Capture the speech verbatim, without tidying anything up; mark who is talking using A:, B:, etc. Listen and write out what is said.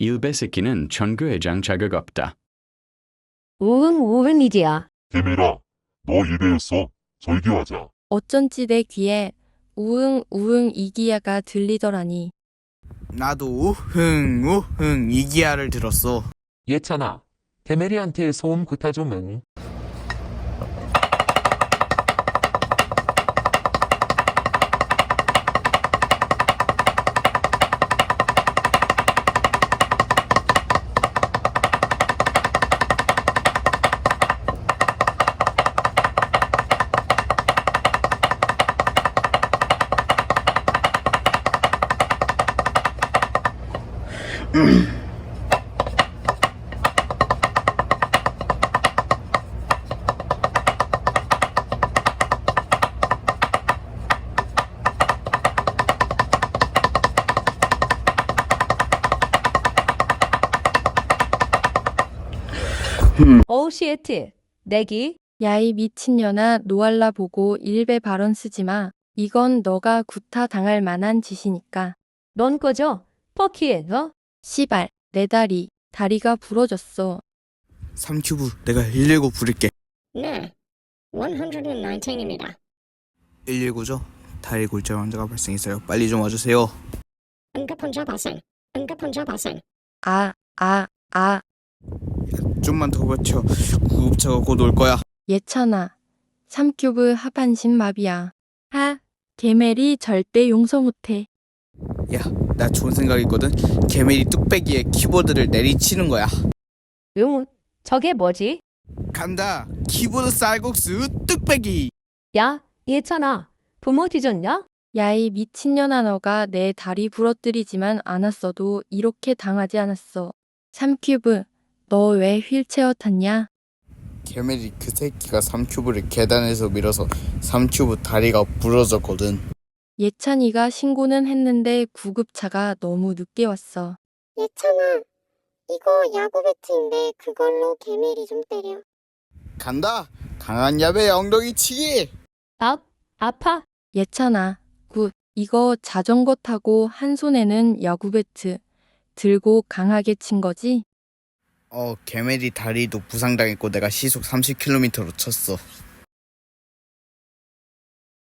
A: 일베 새끼는 천구회장 자격 없다.
B: 우흥 우흥이지야.
C: 개미라, 너 일베였어. 절교하자.
D: 어쩐지 내 귀에 우응 우응 이기야가 들리더라니.
E: 나도 우흥 우흥 이기야를 들었어.
F: 예찬아, 대메리한테 소음 구타 좀 응.
B: 어우 시에트. 내기.
D: 야이 미친년아, 노알라 보고 일베 발언 쓰지 마. 이건 너가 구타 당할 만한 짓이니까.
B: 넌 꺼져. 퍼키에 너.
D: 시발, 내 다리, 다리가 부러졌어.
E: 삼 큐브 내가 일일구 부를게.
G: 네, 백십구입니다.
E: 일일구죠? 다리 골절 환자가 발생했어요. 빨리 좀 와주세요.
G: 응급 환자 발생. 응급 환자 발생.
D: 아, 아, 아.
E: 좀만 더 버텨. 구급차가 곧 올 거야.
D: 예찬아, 삼 큐브 하반신 마비야. 하, 개멜이 절대 용서 못해.
E: 야, 나 좋은 생각 있거든. 개미리 뚝배기에 키보드를 내리치는 거야.
B: 응. 저게 뭐지?
E: 간다. 키보드 쌀국수 뚝배기.
B: 야, 예찬아. 부모 뒤졌냐?
D: 야이 미친년아, 너가 내 다리 부러뜨리지만 않았어도 이렇게 당하지 않았어. 삼 큐브, 너 왜 휠체어 탔냐?
E: 개미리 그 새끼가 삼 큐브를 계단에서 밀어서 삼 큐브 다리가 부러졌거든.
D: 예찬이가 신고는 했는데 구급차가 너무 늦게 왔어.
G: 예찬아, 이거 야구 배트인데 그걸로 개미리 좀 때려.
E: 간다. 강한 야배 엉덩이 치기.
B: 아, 아파.
D: 예찬아, 굿. 이거 자전거 타고 한 손에는 야구 배트 들고 강하게 친 거지?
E: 어, 개미리 다리도 부상당했고 내가 시속 삼십 킬로미터로 쳤어.